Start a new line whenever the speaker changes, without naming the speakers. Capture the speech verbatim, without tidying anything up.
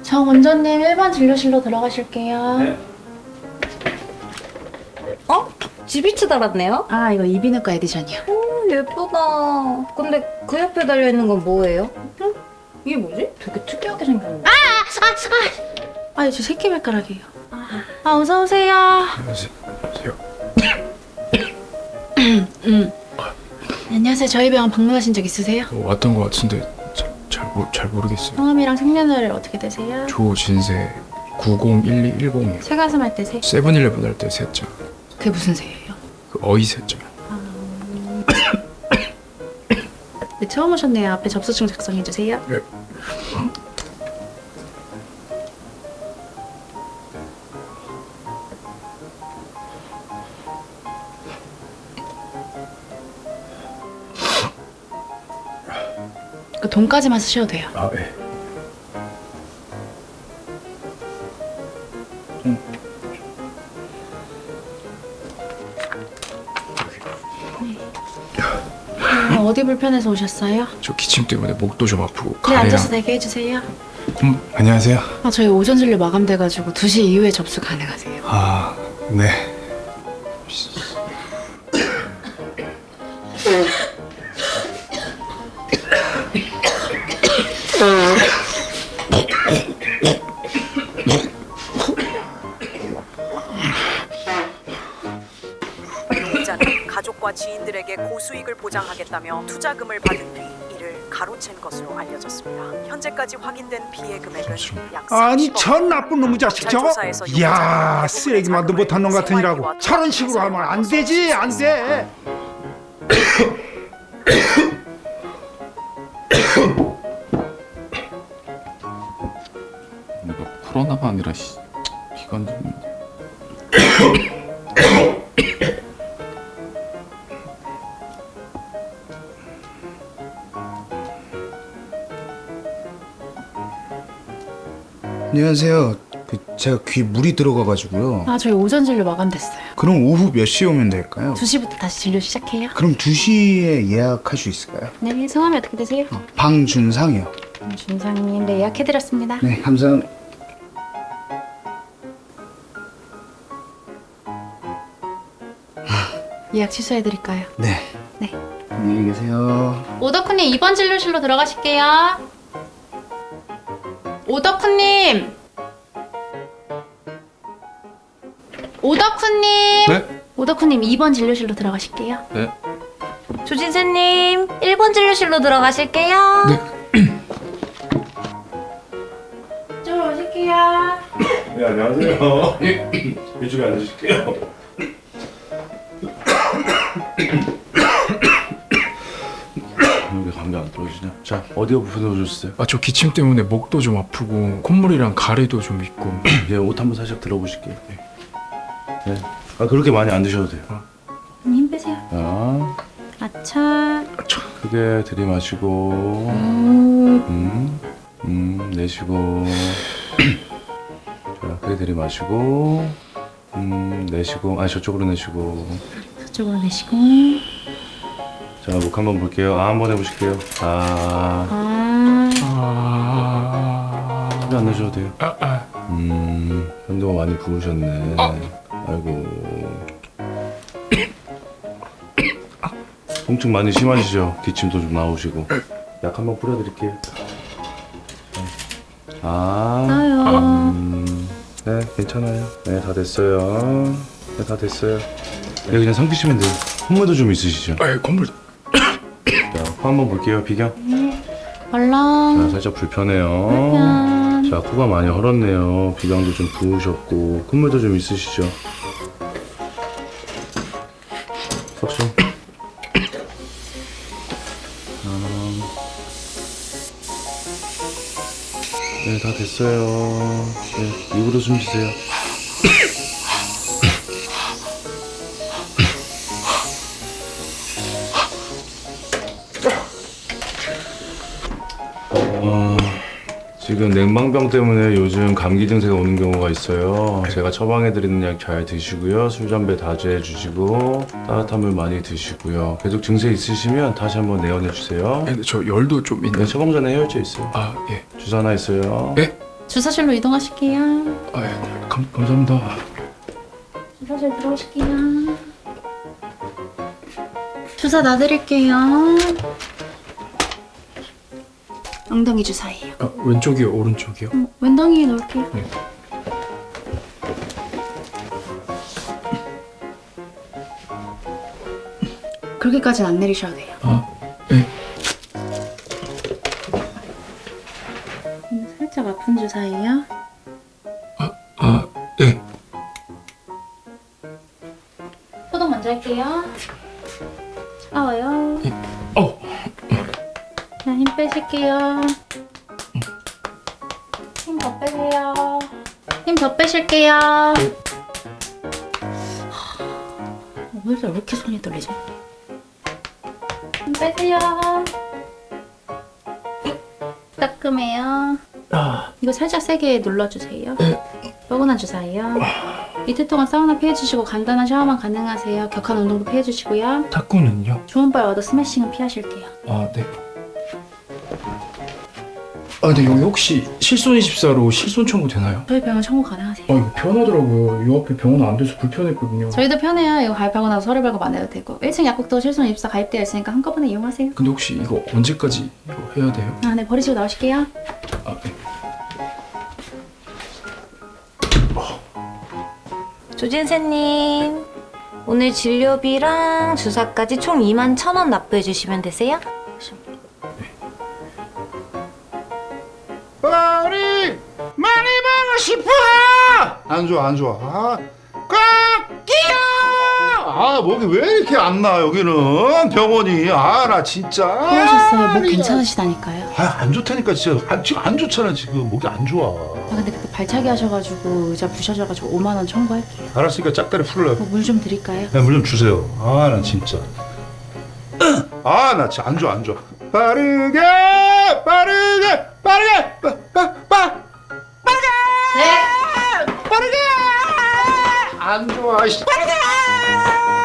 저 원장님 일 번 진료실로 들어가실게요.
네.
어? 지비츠 달았네요?
아, 이거 이비인후과 에디션이요.
오, 예쁘다. 근데 그 옆에 달려있는 건 뭐예요? 응? 이게 뭐지?
되게 특이하게 생겼네. 아! 아! 아! 아, 저 새끼발가락이에요. 아, 아 어서 오세요.
안녕하세요.
음. 안녕하세요. 저희 병원 방문하신 적 있으세요?
어, 왔던 것 같은데 잘, 잘, 모, 잘 모르겠어요.
성함이랑 생년월일 어떻게 되세요?
조진세 구공일이일공이요.
새가슴 할 때 새?
세븐일레븐 할 때 세자.
그게 무슨 새예요?
그 어이 세자.
네, 처음 오셨네요. 앞에 접수증 작성해 주세요.
네.
그 돈까지만 쓰셔도 돼요.
아 예.
음, 어디 불편해서 오셨어요?
저 기침 때문에 목도 좀 아프고
네,
가래랑.
앉아서 대기해 주세요.
음, 안녕하세요.
아, 저희 오전 진료 마감돼가지고 두 시 이후에 접수 가능하세요.
아 네.
피해자는 가족과 지인들에게 고수익을 보장하겠다며 투자금을 받은 뒤 이를 가로챈 것으로 알려졌습니다. 현재까지 확인된 피해 금액은 약
아니
삼십억
저 나쁜 놈의 자식 저거.
조사에서
이야
요구자는
쓰레기만도 못한 놈 같은 이라고 저런 식으로 하면 안 되지 안 돼.
내가 코로나가 아니라 씨, 기관 좀.
안녕하세요. 그 제가 귀 물이 들어가가지고요.
아, 저희 오전 진료 마감됐어요.
그럼 오후 몇 시에 오면 될까요?
두 시부터 다시 진료 시작해요.
그럼 두 시에 예약할 수 있을까요?
네, 성함이 어떻게 되세요?
어, 방준상이요.
준상님, 네, 예약해드렸습니다.
네, 감사합니다.
예약 취소해드릴까요?
네.
네.
안녕히 계세요.
오덕후님 이 번 진료실로 들어가실게요. 오덕후님! 오덕후님!
네?
오덕후님 이 번 진료실로 들어가실게요.
네.
조진세님, 일 번 진료실로 들어가실게요.
네.
이쪽으로 오실게요.
네, 안녕하세요. 이쪽에 앉으실게요.
왜 감기 안 떨어지냐? 자, 어디가 불편해졌어요?
아 저 기침 때문에 목도 좀 아프고 콧물이랑 가래도 좀 있고.
예, 옷 한번 살짝 들어보실게요. 네. 아, 그렇게 많이 안 드셔도 돼요.
힘 빼세요.
자,
아차.
크게 들이마시고,
음.
음, 음, 내쉬고. 자, 크게 들이마시고, 음, 내쉬고. 아, 저쪽으로 내쉬고.
저쪽으로 내쉬고.
자, 목 한번 볼게요. 아, 한번 해보실게요. 아,
아.
아.
크게 안 내셔도 돼요.
아, 아.
음, 현도가 많이 부으셨네. 아이고. 통증 많이 심하시죠? 기침도 좀 나오시고. 약 한번 뿌려드릴게요. 아,
나요.
음, 네, 괜찮아요. 네, 다 됐어요. 네, 다 됐어요. 네, 그냥 삼키시면 돼요. 콧물도 좀 있으시죠?
아, 콧물.
자, 코 한번 볼게요, 비경. 자,
얼렁.
살짝 불편해요.
불편.
자, 코가 많이 헐었네요. 비강도 좀 부으셨고, 콧물도 좀 있으시죠? 석션. 네, 다 됐어요. 네, 입으로 숨 쉬세요. 어, 지금 냉방병 때문에 요즘 감기 증세가 오는 경우가 있어요. 제가 처방해드리는 약 잘 드시고요. 술, 담배 다제해 주시고 따뜻한 물 많이 드시고요. 계속 증세 있으시면 다시 한번 내원해 주세요.
근데 저 열도 좀
네,
있는.
처방 전에 해열제 있어요.
아 예.
주사 하나 있어요.
예?
주사실로 이동하실게요.
아, 예, 감, 감사합니다.
주사실 들어오실게요. 주사 놔드릴게요. 엉덩이 주사예요.
아, 왼쪽이요, 오른쪽이요?
어, 왼덩이에 넣을게요.
네.
그렇게까지는 안 내리셔도 돼요.
아, 네.
음, 살짝 아픈 주사예요.
아, 네.
소독 먼저 할게요. 차가워요.
어,
자, 힘 빼실게요. 힘 더 빼세요. 힘 더 빼실게요. 왜 이렇게 손이 떨리지? 힘 빼세요. 따끔해요.
아,
이거 살짝 세게 눌러주세요. 뻐근한 주사예요. 이틀 동안 사우나 피해주시고 간단한 샤워만 가능하세요. 격한 운동도 피해주시고요.
탁구는요?
좋은 발 얻어 스매싱은 피하실게요.
아, 네. 아, 근데 여기 혹시 실손 이십사로 실손 청구 되나요?
저희 병원 청구 가능하세요.
아, 이거 편하더라고요. 이 앞에 병원 안 돼서 불편했거든요.
저희도 편해요. 이거 가입하고 나서 서류 발급 안 해도 되고 일 층 약국도 실손 입사 가입되어 있으니까 한꺼번에 이용하세요.
근데 혹시 이거 언제까지 이거 해야 돼요?
아, 네, 버리시고 나오실게요.
아, 네.
조진세님, 오늘 진료비랑 주사까지 총 이만 천 원 납부해 주시면 되세요?
머리 많이 보고 싶어. 안 좋아 안 좋아. 아, 꽉끼야. 아 목이 왜 이렇게 안 나? 여기는 병원이. 아 나 진짜.
그러셨어요. 목 괜찮으시다니까요.
아 안 좋다니까 진짜. 안, 지금 안 좋잖아 지금. 목이 안 좋아.
아, 근데 그때 발차기 하셔가지고 의자 부셔져가지고 오만 원 청구할게요.
알았으니까 짝다리 풀래.
뭐 물 좀 드릴까요?
물 좀 주세요. 아 나 진짜. 아 나 진짜 안 좋아 안 좋아. 빠르게 빠르게 빠르게 빠, 빠, 빠, 빠르게 네 빠르게 안 좋아 씨. 빠르게